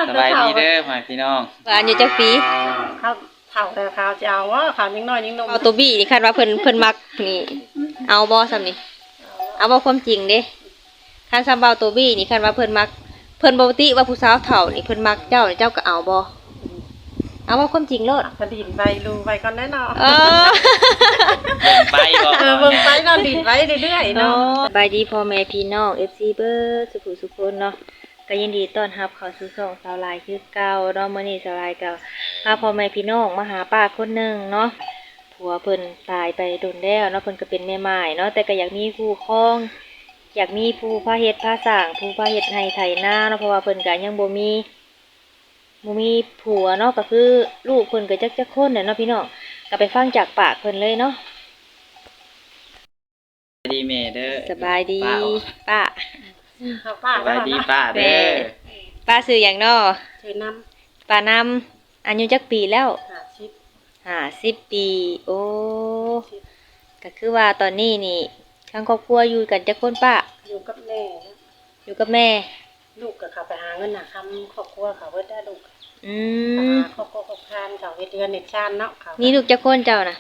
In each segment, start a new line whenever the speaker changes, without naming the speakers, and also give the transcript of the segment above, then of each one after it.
สบายดีเด้อพ่อพี่น้อง
ว่าอยู่จักปี
เขาเฒ่าแต่เขาจะเอาว่าเขายิ่งน้อยยิ่งนม
เอาตัวบี้นี่คาดว่าเพิ่นมักนี่เอาบ่ซ้ำนี่เอาบ่ความจริงเด้คันซ้ำเบาตัวบี้นี่คาดว่าเพิ่นมักเพิ่นบ่ติว่าผู้สาวเฒ่านี่เพิ่นมักเจ้านี่เจ้าก็เอาบ่เอาบ่ความจริงโลด
ก็ดินไปรูไปก่อนแน่นอน
เ
บิ่งไปบ่
เบิ่งไปนอนดินไปเรื่อยๆเนาะ
สบายดีพ่อแม่พี่น้อง FC เบิดสุขสุขคนเนาะก็ยินดีต้อนรับเข้าสู่ช่องสาวลายคือเก่าเนาะมื้อนี้สาวลายก็พาพ่อแม่พี่น้องมาหาป้าคนหนึงเนาะผัวเพิ่นตายไปโดนแล้วเนาะเพิ่นก็เป็นแม่ม่ายเนาะแต่ก็อยากมีคู่ครองอยากมีผู้พาเฮ็ดพาสร้างผู้พาเฮ็ดให้ไถนาเนาะเพราะว่าเพิ่นก็ยังบ่มีผัวเนาะก็คือลูกเพิ่นก็จักคนเนาะพี่น้องก็ไปฟังจากปากเพิ่นเลยเนาะ
สบายดีแม่เด้อ
สบายดีป้า
สบายดีป้าเด้อ
ป้าชื่อหยังเนาะ
ชื่อน้
ำป้านำอายุจักปีแล้ว50 ปีโอ้ก็คือว่าตอนนี้นี่ทั้งครอบครัวอยู่กันจักคนป้า
อยู่กับแม่
อยู่กับแม่
ลูกก็เขาไปหาเงินน่ะทำครอบครัวเขาเบิดได้ลูกครอบครัวครอบครันเขาเฮ็ดเดือนเฮ็ดชานเนาะเขา
มีลูกจักคนเจ้าน่ะ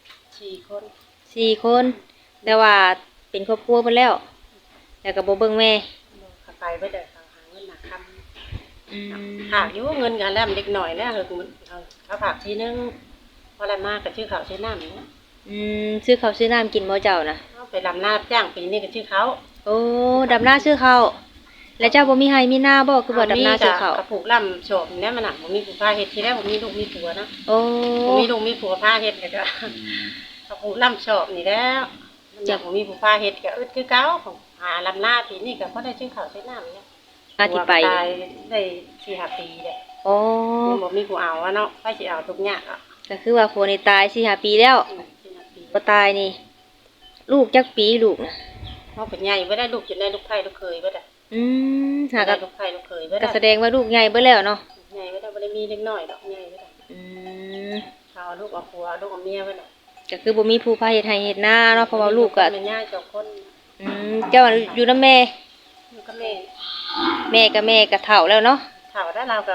4 คนแต่ว่าเป็นครอบครัวเพิ่นแล้วแล้วก็บ่เบิ่งแม่
เขาไปเบิดได้เขาหาเงินน่ะทำหากอยู่เงินกันแล้วเด็กหน่อยแล้วเขาฝากทีนึงพอได้มากก็ชื่อเขาชื่อน้ำนี่
ซื้อข้าวซื้อน้ำกินบ่เจ้าน่ะ
ไปดำนาจ้างปีนี้ก็ชื่อเขา
โอ้ดำนาซื้อข้าวแล้วเจ้าบ่มีไร่มีนาบ่คือบ่ดำนาซื้อข้าว
ปลูกลำโฉบเนี่ยมันน่ะบ่มีผู้พาเฮ็ดทีแรกบ่มีลูกมีผัวนะ
โอ้
บ่มีลูกมีผัวพาเฮ็ดก็ปลูกลำโฉบนี่แล้วมันอยากบ่มีผู้พาเฮ็ดก็คือเก่าของหาลำนาปีนี้ก็พอได้ชื่อเขาชื่อน้ำเนี่ย
มาที่ไป
ได้4-5 ปีเด้
โอ้
บ่มีผู้เอาอะเนาะไปสิเอาทุกอย่างอ่ะ
ก็คือว่าผัวนี่ตาย4-5 ปีแล้วบ่ตายนี่ลูกจักปีลูกน่ะ
เฮาเป็นใหญ่บ่ได้ลูกจนได้ลูกไผลูกเคยบ่ได้
หากับ
ลูกไผลูกเคยบ่ได้
ก็แสดงว่าลูกใหญ่เบิดแล้วเนาะ
ใหญ่บ่ได้บ่ได้มีเล็กน้อยดอกใหญ่บ่ได้เขาลูกเอาผัวลูกเอาเมียบ่ได้
ก็คือบ่มีผู้พาเฮ็ดให้เฮ็ดนาเนาะเพราะว่าลูกก็
เป็นญาติ2 คน
เจ้าอยู่นำแม่
อยู่กับแม่
แม่ก็เฒ่าแล้วเนาะ
เฒ่าแล้วเราก็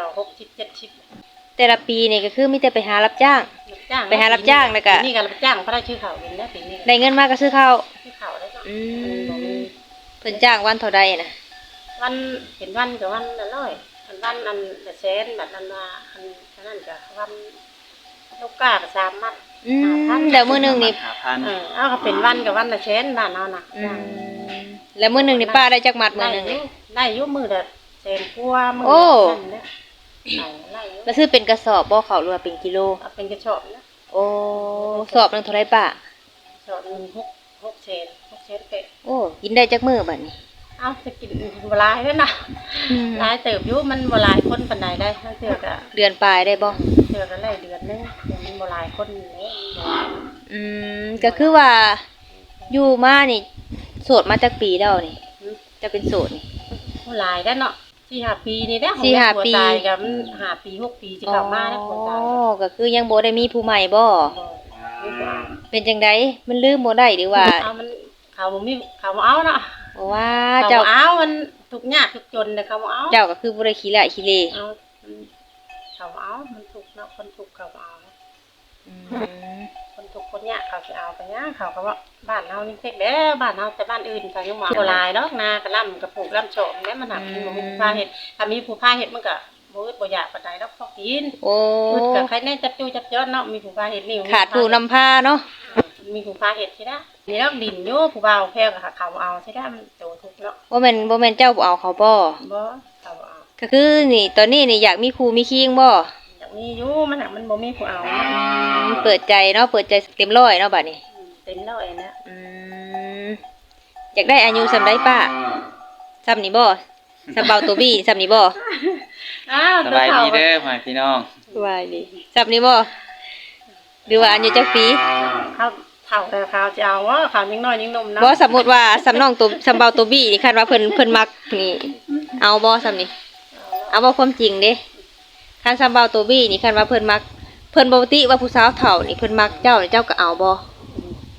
60-70
แต่ละปีนี่ก็คือมีแต่ไปหารับจ้างไปหารับจ้างแล้วก็
นี่ก็รับจ้างเพราะได้ชื่อเขาเองนะปีนี้
ได้เงินมาก็ซื้อข้าว
ซื้อข้าวได้เนาะ
เพิ่นจ้างวันเท่าใดน่ะ
วันเห็นวันก็วันละ100วันอันละแสนแบบนั้นว่าอันนั้นก็วันลูกกาก็3 มัด
แล้วมื้อนึงนี่
เอาก็เป็นวันก็วันละแสนบ้านเฮาน่ะ
แล้วมื้อนึงนี่ป้าได้จักมัดมื้อนึงนี่
ได้อยู่มื้อละแสนกว่ามื้อนั่นแหละ
แล้วซื้อเป็นกระสอบบ่เขาหรือว่าเป็นกิโล
เป็นกระสอบนะ
โอ้สอบนึงเท่าไหร่ป้า
สอบนึง6 เซนเป๊ะ
โอ้กินได้จักมื้อบัดนี้
เอาจะกินบ่หลายเด้อนะหลายเติบอยู่มันบ่หลายคนปานใดได้เทื่อก็
เดือนปลายได้บ่
เทื่อก็ได้เดือนนึงมันบ่หลายคนนี่
ก็คือว่าอยู่มานี่โสดมาจักปีแล้วนี่จะเป็นโสดนี่
บ่หลายได้เนาะ4-5 ปีนี่แหละ
4-5 ปี
ตายก็มัน5 ปี 6 ปีสิเข้ามาแล้วคนตาย
ก็คือยังบ่ได้มีผู้ใหม่บ่เป็นจังได๋มันลืมบ่ได้หรือว่า
มันเขาบ่มีเขาบ่เอาเนาะ
ว่าเจ้า
เอามันทุกข์ยากทุกจนแต่เขาบ่เอา
เจ้าก็คือบ่ได้ขี้ละขี้เล
เอาเขาเอามันทุกข์เนาะคนทุกข์เขาบ่เอาคนทุกข์คนยากเขาสิเอาไปหยังเขาก็ว่าบ้านเฮานี่เฮ็ดแล้วบ้านเฮาแต่บ้านอื่นเขายังบ่หลายดอกนากะล่ำกะปลูกล่ำโฉมแม่มันหักมันบ่มีผู้พาเฮ็ดถ้ามีผู้พาเฮ็ดมันก็บ่อึดบ่อยากปานใดดอกพอกินอึดก็ใครแน่จับจู้จับจ้อนเนาะมีผู้พาเฮ็ดนี่
ขาดผู้นำพาเนาะ
มีผู้พาเฮ็ดสินะนี่แล้วดินอยู่ผู้บ่าวแพ้ก็เขาเอาสิได้มันโตทุกเนาะ
บ่แม่นเจ้าบ่เอาเขาบ่
เขาเอา
ก็คือนี่ตอนนี้นี่อยากมีครูมีคิงบ่
อยากมีอยู่มันบ่มีผู้เอา
เปิดใจเนาะเปิดใจเต็มร้อยเนาะบัดนี้
เต็มร้อยนะ
อยากได้อายุส่ำใดป้าส่ำนี่บ่ส่ำเบาตัวบี้ส่ำนี่บ่
สบายดีเด้อพ่อพี่น้อง
สบายดีส่ำนี่บ่หรือว่าอายุจักปี
เขาเฒ่าแต่เขาจะเอาว่าเขายิ่งน้อยยิ่งนมเนาะ
บ่สมมุติว่าส่ำน้องตัวส่ำเบาตัวบี้นี่คาดว่าเพิ่นมักนี่เอาบ่ส่ำนี่เอาบ่ความจริงเด้คันส่ำเบาตัวบี้นี่คาดว่าเพิ่นมักเพิ่นบ่ติว่าผู้สาวเฒ่านี่เพิ่นมักเจ้านี่เจ้าก็เอาบ่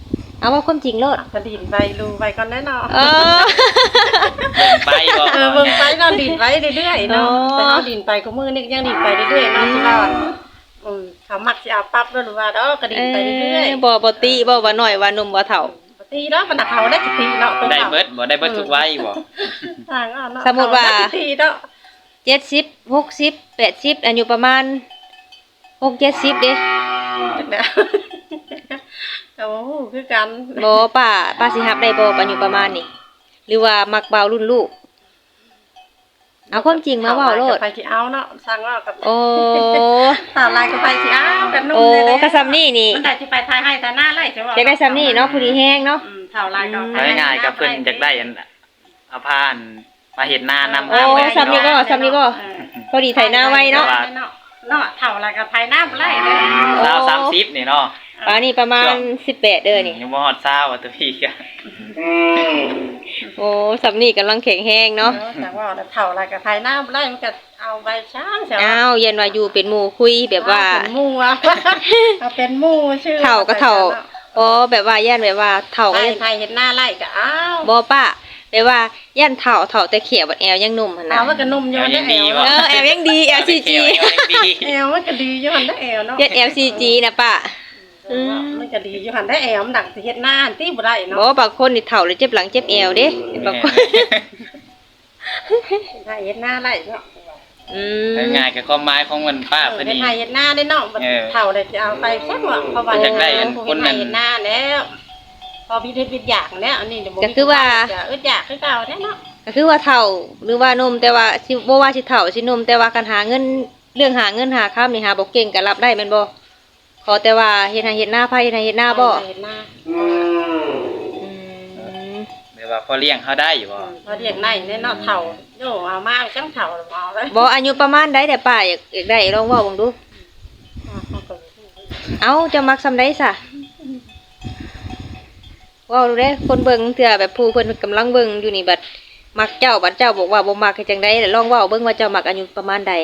เอาว่าความจริงโลด
ก็ดินไปรูไปก่อนแน่นอน
เออ
เบิ่งไปบ่
เบิ่งไปเนาะดินไปเรื่อยๆเนาะ
อ๋อ
แต่เฮาดินไปก็มือนึงยังดินไปเรื่อยๆเนาะที่ว่าเขามักสิเอาปั๊บแล้วหรือว่าดอกก็ดินไปเรื่อยๆ
บ่ติบ่ว่าน้อยว่าหนุ่มว่าเฒ่า
ปกติเนาะมันเขาได้สิเนาะ
ได้เบิดบ่ได้เบิดทุกวัยบ่
ต่างเอาเนาะ
สมมุติว่า
เขได้สิเนาะ
70 60 80อายุประมาณ6-70เด้
จักแล้วก็บ่ฮู้คือกัน
บ่ป้าสิรับได้บ่อายุประมาณนี้หรือว่ามักเบารุ่นลูกเอาความจริงมาเว้าโลด
ไปสิเอาเนาะสั่งว่ากับ
โอ้
ตาลายก็ไปสิเอากันนุ่ม
โอ้
เลย
กะซำนี่นี่
มันได้สิไปทายให้ทายหน้าไล่ใช่บ่
อยากได้ซำนี่เนาะผู้ดีแฮงเนาะ
เท่าลายก็
เอาง่ายๆกับเพิ่นอยากได้อันเอาผ้าอันมาเฮ็ดหน้านำ
โอ้
หา
ซำนี่บ่ซำนี่บ่พอดีไถหน้าไว้เนาะ
เนาะเท่าลายก็ทายหน้าบ่ไล่เลย
สาว30นี่เนาะ
ป่านนี้ประมาณ18เด้อนี่
ยังบ่ฮอด20อ่ะตัวพี่ก็
โอ้ซำนี่กำลังแข็งแรงเนาะ
แต่ว่าเท่าลายก็ทายหน้าบ่ไล่มันก็เอาใบช้างเสีย
อ้าวเย็นว่าอยู่เป็นหมู่คุยแบบว่า
เป็นหมู่อะเอาเป็นหมู่ชื่อ
เฒ่าก็เฒ่าอ๋อแบบว่าย่านแบบว่าเฒ่าก็
ไทย
ยัง
ไทยเห็นหน้าไล่ก็อ้าว
บ่ป้าแบบว่าย่านเฒ่าแต่เขียวบัดแอวยังหนุ่มหั่นน่ะ
เอามันก็นุ่มอยู่ได้แอว
แอวยังดี LCG
แอวมันก็ดีอยู่หันได้แอวเนาะ
ยัด LCG นะป้า
มันก็ดีอยู่หันได้แอวมันดังสิเฮ็ดหน้าที่บ่ได้เนาะ
บ่บางคนนี่เฒ่าเลยเจ็บหลังเจ็บแอวเด้บางคน
ไทยเฮ็ดหน้าไล่เนาะ
อืม
ง่ายๆกับความหมายของมันป้าเพิ่น
เป็น
นี่
ไทยเฮ็ดหน้าได้เนาะเฒ่าได้สิเอาไปแค่ว่าเพราะว่า
อยากได้อันคนนั้น
เฮ็ดหน้าแล้วพอพี่เฮ็ดวิทยากแล้วอันนี้เดี๋ยวอึดอยากคือเก่าแน่เนาะ
ก็คือว่าเฒ่าหรือว่าหนุ่มแต่ว่าสิบ่ว่าสิเฒ่าสิหนุ่มแต่ว่าการหาเงินเรื่องหาเงินหาค้ำนี่หาบ่เก่งก็รับได้แม่นบ่ขอแต่ว่าเฮ็ดให้เฮ็ดหน้าไผเฮ็ดให้เฮ็ดหน้าบ่
เฮ็ดหน้า
อืม
แบบว่าพอเลี้ยงเขาได้อยู่บ่
พอเรียกได้แน่เนาะเฒ่าโยเอามาจังเฒ่าเอาเลย
บ่อายุประมาณใดแต่ป้าอยากได้ลองเว้าเบิ่งดูเอ้าจะมักซำใดซะเว้าดูเด้คนเบิ่งเทื่อแบบผู้เพิ่นกำลังเบิ่งอยู่นี่บัดมักเจ้าบัดเจ้าบอกว่าบ่มักเฮ็ดจังได๋ลองเว้าเบิ่งว่าเจ้ามักอายุประมาณใด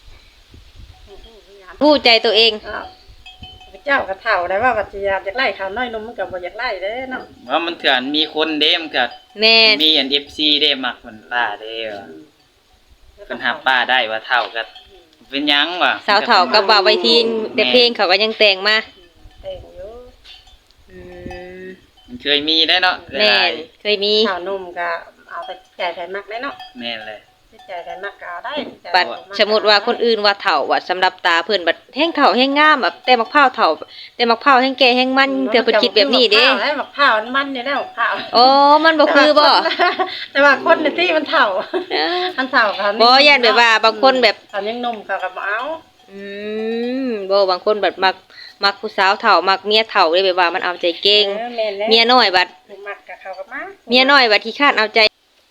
รู้ใจตัวเอง
เจ้าก็เฒ่าได้ว่าบัดสิอยากไล่เขาน้อยนมมันก็บ่อยากไล่เด้เนาะ
ว่ามันเถื่อนมีคนเด้มันก็
แม่น
มีอัน FC เด้มักมันป้าเด้ว่าเพิ่นหาป้าได้ว่าเท่ากันเป็นหยังวะ
สาวเฒ่ากับบ่าวไว้ทีนแต่เพลงเขาก็ยังแต่งมา
เต็งอยู่
อืม
มันเคยมีได้เนาะ
แม่นเคยมี
เฒ่านุ่มก็เอาไปจ่ายไผมักได้เนาะ
แม่นเลย
จ่ายไผมักก็เอาได้
บัดสมมุติว่าคนอื่นว่าเฒ่าว่าสำหรับตาเพิ่นบัดแฮงเฒ่าแฮงงามแบบแต่มักพร้าวเฒ่าแต่มักพร้าวแฮงแก่แฮงมันเทื่อเพิ่นคิดแบบนี้เด้
บักพร้าวมันอยู่แล้วบักพร้าว
โอ้มันบ่คือบ่
แต่ว่าคนในที่มันเฒ่า
เออ
มันเฒ่าเขา
บ่ย่านแบบว่าบางคนแบบ
เขายังหนุ่มเขาก็บ่เอา
อืมบ่บางคนแบบมักผู้สาวเฒ่ามักเมียเฒ่าเลยแบบว่ามันเอาใจเก่ง
แม่นแล้ว
เมียน้อยบัด
มักกับเขาก็มา
เมียน้อยบัดขี้คร้านเอาใจ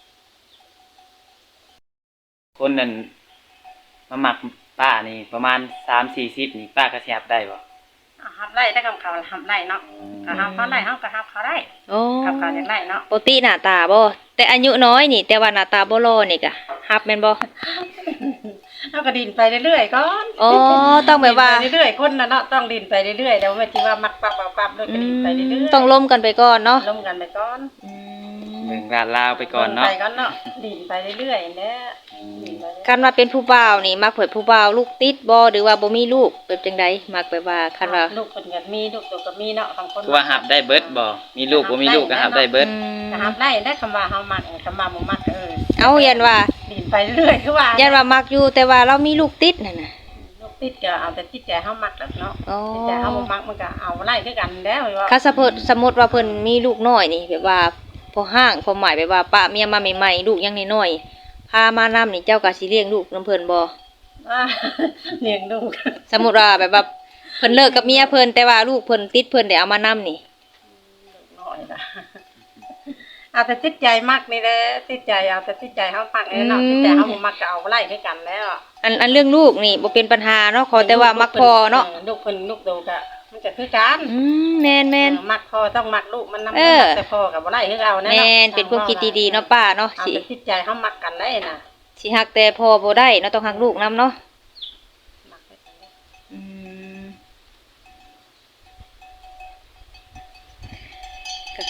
คนนั้นมาหมักป้านี่ประมาณ3-40นี่ป้าก็สิรับได้บ่
หับไล่ได้กับเขาหับไล่เนาะก็หับเขาไล่เฮาก็หับเขาได้
โอ้
กับเขาจังไล่เนาะ
ปกติหน้าตาบ่แต่อายุน้อยนี่แต่ว่าหน้าตาบ่หล่อนี่ก็ฮับแม่นบ่
เฮาก็ดินไปเรื่อยๆก่อน
อ๋อต้องแบบว่า
ดินไปเรื่อยๆคนน่ะเนาะต้องดินไปเรื่อยๆแล้วไม่ที่ว่ามักปับๆๆด้วยก็ดินไปเรื่อยๆ
ต้องล้มกันไปก่อนเนาะ
ล้มกันไปก่อน
เบิ่งลาดลาวไปก่อนเนาะ
ไปก่อนเนาะดินไปเรื่อยๆแหละดินไปเรื่อยๆ
คันว่าเป็นผู้บ่าวนี่มักเผยผู้บ่าวลูกติดบ่หรือว่าบ่มีลูกเป็นจังไดมักแบบว่าคันว่า
ลูกเพิ่นก็มีลูกตัวก็มีเนาะบางคน
คือว่าหับได้เบิดบ่มีลูกบ่มีลูกก็หับได้เบิด
ก็หับไล่ได้คำว่าเฮามักคำว่าบ่มักก็
เอายันว่า
ดินไปเรื่อยคือว่า
ยันว่ามักอยู่แต่ว่าเรามีลูกติดนั่นน่ะ
ลูกติดก็เอาแต่ติดใจเฮามักแล้วเนาะ
อ๋อ
ติดใจเฮาบ่มักมันก็เอาไล่คือกันแล้วว่า
คันสมมุติว่าเพิ่นมีลูกน้อยนี่แบบว่าพอห้างพอหมายแบบว่าป้าเมียมาใหม่ๆลูกยังน้อยๆพามานำนี่เจ้าก็สิเลี้ยงลูกนํเพิ่นบ่
เลี้ยงลูก
สมมุติว่าแบบว่าเพิ่นเลิกกับเมียเพิ่นแต่ว่าลูกเพิ่นติดเพิ่นได้เอามานำนี่
น้อยล่ะเอาแต่ติดใจมักนี่แหละติดใจเอาแต่ติดใจเฮามักเนาะติดใจเฮาบ่มักก็เอาไล่คือกันแล้ว
อันเรื่องลูกนี่บ่เป็นปัญหาเนาะขอแต่ว่ามักพอเนาะ
ลูกเพิ่นลูกโตก็มันก็คือกัน
แม่น
มักพ่อต้องมักลูกมันนำ
เออ
แต่พ่อกับบ่ได้คือเอา
ๆ
แน่
แม่นเป็นความคิดดีๆเนาะป้าเนาะ
เอา
สิ
แต่จิตใจเฮามักกันได้น่ะ
สิฮักแต่พ่อบ่ได้เนาะต้องฮักลูกนํเนาะ
มักไปกันได้
อืม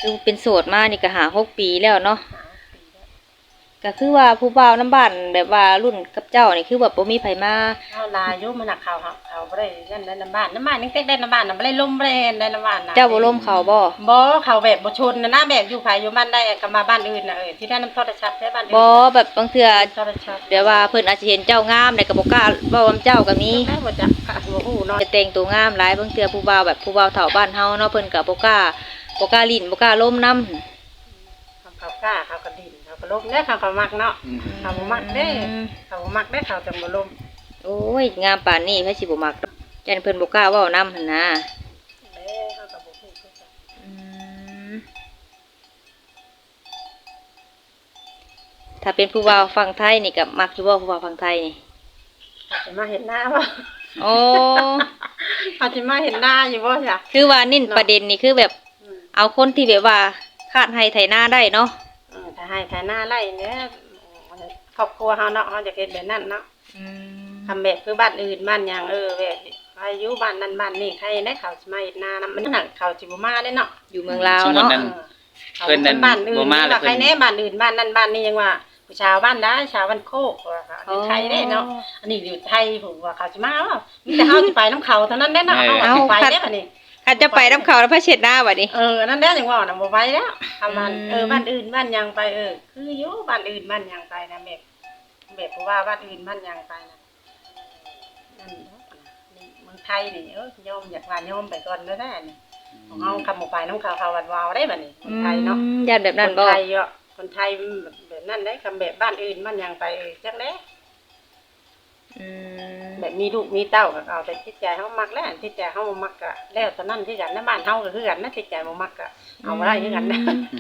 คือเป็นโสดมานี่ก็หา6 ปีแล้วเนาะ
หาปีแล้ว
ก็คือว่าผู้บ่าวน้ำบ้านแบบว่ารุ่นกับเจ้านี่คือแบบบ่มีไผมา
เอาลายอยู่มันน่ะเขาบ่ได้นั่นได้น้ำบ้านนี่เต็กได้น้ำบ้านน่ะบ่ได้ลมบ่ได้ได้น้ำบ้านน่ะ
เจ้าบ่ล่มเขาบ่
บ่เขาแบบบ่ชนนะนะแบบอยู่ไผอยู่บ้านได้ก็มาบ้านอื่นน่ะที่ได้น้ำโทรศัพท์ได้บ้านอื่น
บ่แบบบางเทื่อ
โทรศัพท์
เดี๋ยวว่าเพิ่นอาจจะเห็นเจ้างามแต่ก็บ่กล้าเว้ากับเจ้าก็มี
ได้บ่จักค่ะบ่ฮู้เนาะ
จะแต่งตัวงามหลายบางเทื่อผู้บ่าวแบบผู้บ่าวเฒ่าบ้านเฮาเนาะเพิ่นก็บ่กล้าลิ้นบ่กล้าล้มนำ
เขากล้าเขาก็ดิ้นเขาก็ลมได้เขามักเนาะเขาบ่มักเด้เขาบ่มักได้เขาจังบ่ลม
โอ้ยงามปานนี้ไผสิบ่มักจันเพิ่นบ่กล้าเว้านำหั่นนะ
เด้เขาก็บ่ฮู้คือกัน
อืมถ้าเป็นผู้บ่าวฝั่งไทยนี่ก็มักอยู่บ่ผู้บ่าวฝั่งไทยนี่
เขาจะมาเห็นหน้าบ่
โอ้
เขาจะมาเห็นหน้าอยู่บ่จ้ะ
คือว่านิ่นประเด็นนี่คือแบบเอาคนที่แบบว่าคาดให้ไถนาได้เนาะ
ถ้าให้ถ่ายหน้าไล่เนี่ยครอบครัวเฮาเนาะเฮาจะเฮ็ดแบบนั้นเนาะ
อืม
ทำแบบคือบ้านอื่นบ้านหยังแบบอายุบ้านนั้นบ้านนี้ใครได้เขาสิมาเฮ็ดนานํมันน่ะเขาสิบ่มาได้เนาะ
อยู่เมืองลาว
สมมุติ
เนาะ
นั้น
เขา
เพิ่นนั่น
บ้านอื่น
บ่มาแล้ว
ว่าใครแน่บ้านอื่นบ้านนั้นบ้านนี้ยังว่าผู้ชาวบ้านได้ชาวบ้านโคกว่าค่ะอยู่ไทยได้เนาะอันนี้อยู่ไทยผมว่าเขาสิมาว่ามีแต่เฮาสิไปนํเขาเท่านั้นได้เนาะเฮาสิไปได้บัดนี้
คันจะไปน้ำเขาแล้วพระเช็ดหน้าบัดนี้
นั่นแหละจังว่าน่ะบ่ไปแล้วทำมัน
อืม
บ้านอื่นบ้านหยังไปคืออยู่บ้านอื่นบ้านหยังไปนะแบบเพราะว่าบ้านอื่นบ้านหยังไปนะนั่นเนาะนี่เมืองไทยนี่ยอมอยากว่ายอมไปก่อนแล้วได้นี่ของเฮาคำบ่ไปน้ำเขาวัดวาวได้บัดนี้คนไทยเนาะ
ญาติแบบนั้น
คน
บ่
ไทยคนไทยแบบนั้นได้คำแบบบ้านอื่นบ้านหยังไปจังได๋
อืม
แบบมีลูกมีเต้าก็เอาแต่จิตใจเฮามักแล้วจิตใจเฮาบ่มักก็แล้วตอนนั้นที่กันในบ้านเฮาก็คือกันนะจิตใจบ่มักก็เอาบ่ได้คือกันนะ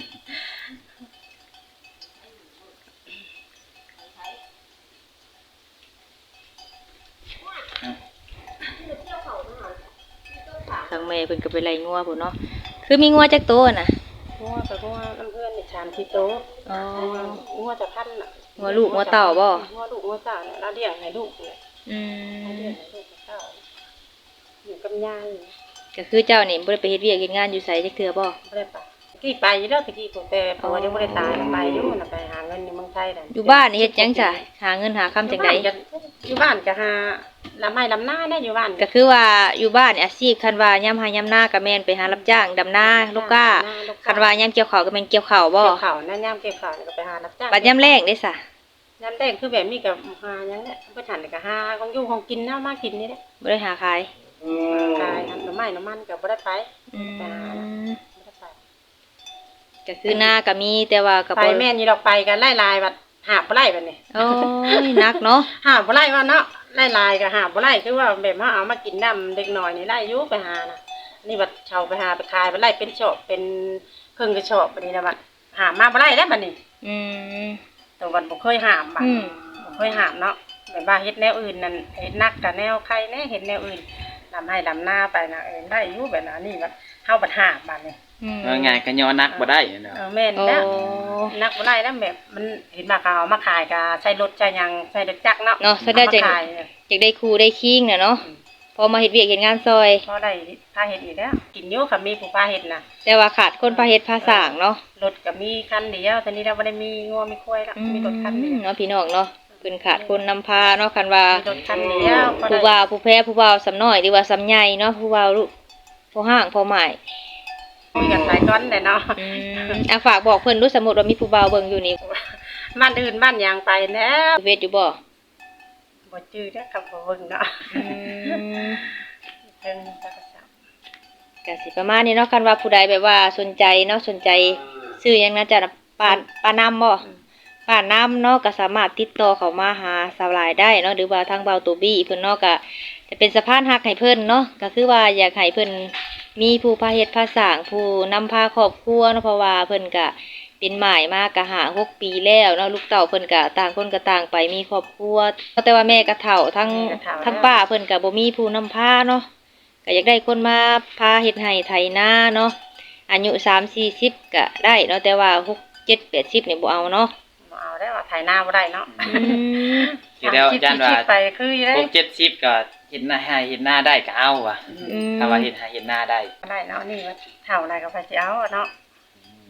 ทางแม่เพิ่นก็ไปไล่งัวพุ่นเนาะคือมีงัวจักตัวน่ะ
งัวกับงัวน้ำเพื่อนนี่ชามที่โตะ
อ๋อ
งัวจะพันน่ะ
งัวลูกงัวเต่าบ่
งัวลูกงัวเต่าเนี่ยเราเลี้ยงให้ลูกเนี่ย
อื
เราเลี้ย
ม
งให้ลูกเต่าอยู่กับยาย
ก็คือเจ้านี่บ่ได้ไปเฮ็ดเวียกเฮ็ดงานอยู่ไสจักเทื่อบ่
บ่ได้ไปกี่ไปอยู่แล้วตะกี้กูแต่เพราะว่ายังบ่ได้ตายไปอยู่น่ะไปหาเงินในเมืองไทยน่ะ
อยู่บ้านนี่เฮ็ดหยังจ้ะหาเงินหาคำจังได๋
อยู่บ้านก็หาลำไม้ลำหน้าได้อยู่บ้าน
ก็คือว่าอยู่บ้านนี่อาชีพคันว่ายามหายามนาก็แม่นไปหารับจ้างดำนาลูกก้าคันว่ายามเกี่ยวข้าวก็แม่นเกี่ยวข้าวบ่
เกี่ยวข้าวนะยามเกี่ยวข้าวนี่ก็ไปหารับจ้าง
บัดยามแล้งเด้ซะ
ยามแรกคือแบบนี้ก็หาหยังเนี่ยบ่ทันก็หาของอยู่ของกินนะมากินนี่แหละ
บ่ได้หาขาย
ขายน้ำไม้น้ำมันก็บ่ได้ไป
อืม
บ่ได้ไป
ก็คือหน้าก็มีแต่ว่าก็
ไป
บ่
แม่นอยู่ดอกไปกันไล่ลายบัดหาบบ่ไล่บัดนี้
โอ้ยหนักเนาะ
หาบบ่ไล่ว่าเนาะไล่ลายก็หาบบ่ไล่คือว่าแบบว่าเอามากินน้ำเด็กน้อยนี่ไล่อยู่ไปหาน่ะนี่บัดเช่าไปหาไปขายบ่ไล่เป็นชอบเป็นครึ่งกระชอบบัดนี้นะบัดหามาบ่ไล่แล้วบัดนี้
อืม
แต่บัดบ่เคยหามบัด
อืม
บ่เคยหามเนาะแบบว่าเฮ็ดแนวอื่นนั่นเฮ็ดนักกับแนวใครแน่เฮ็ดแนวอื่นลำให้ลำหน้าไปน่ะได้อยู่แบบนั้นนี่บัดเฮาบัดหามบัดนี้
ว่าไงก็ย่อนักบ่ได้เนาะ
แม่น
โอ้
แล้ว นักบ่ได้แล้วแบบมันเห็นมาเขาเอามาขายก็ใช้รถใช้หยังใช้รถจักรเนาะ
เนาะถ้าได้จัง
เอามาขายเนี่ย
อยากได้ครูได้คิงน่ะเนาะพอมาเฮ็ดเวียกเฮ็ดงานซอย
พอได้พาเฮ็ดอีกแล้วกินอยู่ค่ะมีผู้พาเฮ็ดน่ะ
แต่ว่าขาดคนพาเฮ็ดพาสร้างเนาะ
รถก็มีคันเดียวตอนนี้เราบ่ได้มีงัวมีควายแล้วมีรถคันเดียว
เนาะพี่น้องเนาะเพิ่นขาดคนนำพาเนาะคันว่า
มีรถคันเดียวพอ
ผู้
ได้
บ่าวผู้แพ้ผู้บ่าวสำน้อยหรือว่าสำใหญ่เนาะผู้บ่าวลูกผู้ห้างผู้หมาย
คุยกันหลายก้อนเลยเนาะ
ฝากบอกเพิ่นดูสมมุติว่ามีผู้บ่าวเบิ่งอยู่นี่
บ้านอื่นบ้านหยังไปแล้ว
เวทอยู่บ่
บ่จื้อเด้อครับบ่เบิ่งเนาะ
อืม
เพิ่นก็จับ
ก็สิประมาณนี้เนาะคันว่าผู้ใดแบบว่าสนใจเนาะสนใจซื้อหยังนะจ๊ะปาน้ำบ่ปาน้ำเนาะก็สามารถติดต่อเข้ามาหาสาวหลายได้เนาะหรือว่าทางเบาตูบี้เพิ่นเนาะก็จะเป็นสะพานหักให้เพิ่นเนาะก็คือว่าอยากให้เพิ่นมีผู้พาเฮ็ดพาสร้างผู้นำพาครอบครัวเนาะเพราะว่าเพิ่นก็เป็นหมายมากก็6 ปีแล้วเนาะลูกเต้าเพิ่นก็ต่างคนก็ต่างไปมีครอบครัวแต่ว่าแม่ก็เฒ่าทั้งป้าเพิ่นก็บ่มีผู้นำพาเนาะ ก็อยากได้คนมาพาเฮ็ดให้ไถนาเนาะอายุ3-40ก็ได้เนาะแต่ว่า6-7-80นี่บ่เอาเนาะ
บ่เอาได้ว่าถ่ายหน้าบ่ได้เนาะ
สิแล้วอาจารย์ว่า
คิดไปคืออยู่ได้
6-70ก็เฮ็ดหน้าให้เฮ็ดหน้าได้ก็เอาว่ะถ้าว่าเฮ็ดให้เฮ็ดหน้าได้
ได้เนาะนี่ว่าเท่าไหร่ก็ไปสิเอาอะเนาะ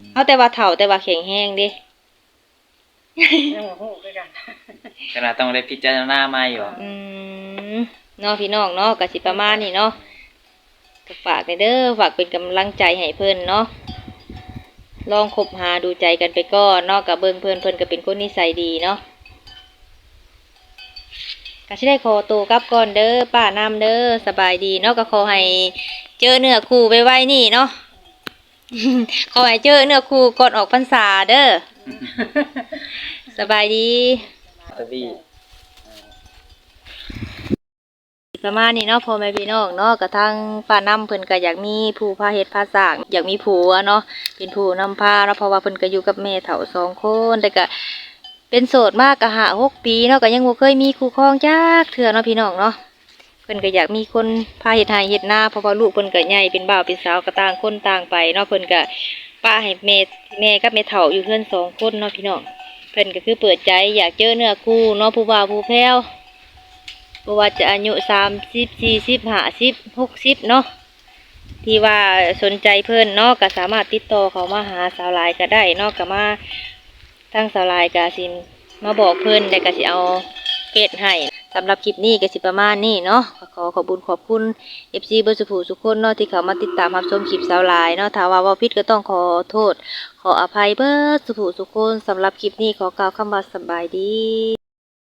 เอาแต่ว่าเฒ่าแต่ว่าแข็งแรงเด้
ยังบ่ฮู้คือกัน
ขนาดต้องได้พิจารณาใหม่อยู่
อืมเนาะพี่น้องเนาะก็สิประมาณนี้เนาะก็ฝากเด้อฝากเป็นกำลังใจให้เพิ่นเนาะลองคบหาดูใจกันไปก่อนเนาะกับเบิ่งเพิ่นก็เป็นคนนิสัยดีเนาะก็สิได้ขอตัวกลับก่อนเด้อป้านำเด้อสบายดีเนาะก็ขอให้เจอเนื้อคู่ไวๆนี่เนาะ ขอให้เจอเนื้อคู่ก่อนออกพรรษาเด้อ สบายดี
ตะบี้
ประมาณนี้เนาะพ่อแม่พี่น้องเนาะกระทั่งป้านำเพิ่นก็อยากมีผู้พาเฮ็ดพาสร้างอยากมีผัวเนาะเป็นผู้นำพาเนาะเพราะว่าเพิ่นก็อยู่กับแม่เฒ่า2 คนแต่ก็เป็นโสดมากก็5-6 ปีเนาะก็ยังบ่เคยมีคู่ครองจักเทื่อเนาะพี่น้องเนาะเพิ่นก็อยากมีคนพาเฮ็ดไร่เฮ็ดนาเพราะว่าลูกเพิ่นก็ใหญ่เป็นบ่าวเป็นสาวก็ต่างคนต่างไปเนาะเพิ่นก็ป้าให้แม่กับแม่เฒ่าอยู่เฮือน2 คนเนาะพี่น้องเพิ่นก็คือเปิดใจอยากเจอเนื้อคู่เนาะผู้บ่าวผู้แพ้ว บ่ว่าจะอายุ30 40 50 60เนาะที่ว่าสนใจเพิ่นเนาะก็สามารถติดต่อเขามาหาสาวหลายก็ได้เนาะก็มาทางสาวหลายก็สิมาบอกเพิ่นแล้วก็สิเอาเฟซให้สำหรับคลิปนี้ก็สิประมาณนี้เนาะก็ขอขอบคุญขอบคุณ FC เบิดสุขทุกคนเนาะที่เข้ามาติดตามรับชมคลิปสาวหลายเนาะถ้าว่าเว้าผิดก็ต้องขอโทษขออภัยเบิดสุขทุกคนสำหรับคลิปนี้ขอกล่าวคำว่าสบายดี